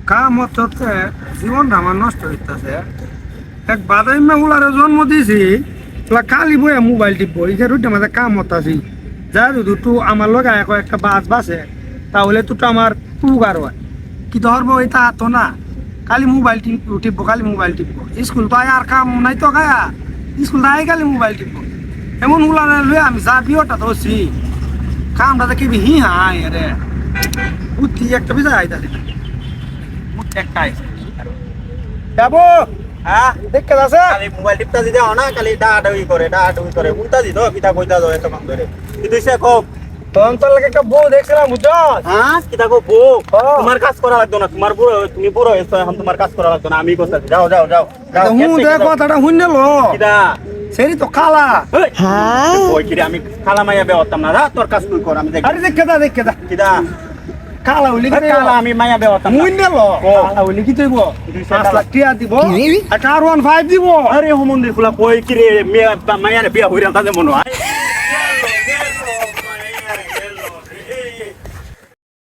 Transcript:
কাম হচ্ছে জীবনটা আমার নষ্ট হইতেছে। এক বাদাই মেহুলারে জন্ম দিয়েছি, খালি বইয়া মোবাইল টিপবো, এই যে রুটে মাঝে কাম হতাছি। যা যদি তু আমার লগে একটা বাস বাসে, তাহলে তো আমার উপকার হয়। কি ধরবো এটা তো না, খালি মোবাইল টিপবো, খালি মোবাইল টিপবো। স্কুল তো আর কাম নাই তো গায়া, স্কুল তাই খালি মোবাইল টিপবো। এমন উলারে লুয়ে আমি যা বিয়েটা ধরছি, কামটা দেখি হি হাই রে বুদ্ধি একটা বিজয় আইতাছে একটাই যাবো। হ্যাঁ দেখতে আছে খালি মোবাইল টিপতা দিতে না, খালি ডাডাউই করে উল্টা দিত কিতা কইতা দাও এত কাম ধরে কিন্তু সে কও তখন তোর লাগে একটা বউ দেখছিলাম বুঝছো। হ্যাঁ কিতা কও বউ তোমার কাজ করা লাগতো না, তোমার বুড়ো তুমি বুড়ো হইছো এখন তোমার কাজ করা লাগতো না, আমি কইতাছি যাও যাও যাও যাও হুঁ দেখ কথাটা শুনে লো কিতা সেরি তো কালা। ওই কিরে আমি খালা মাইয়া বে হতাম না, তোর কাজ তুই কর আমি দেখ আরে দেখে দা কিতা কালা হইলি কি কালা আমি মাইয়া বে হতাম না শুনে লো কালা হইলি কি তৈব 5 লাখ টাকা দিব আর কার 15 দিব। আরে হোমন্দির ফুলা কই কিরে মাইয়া বিয়া হইরা তাদের মনে হয়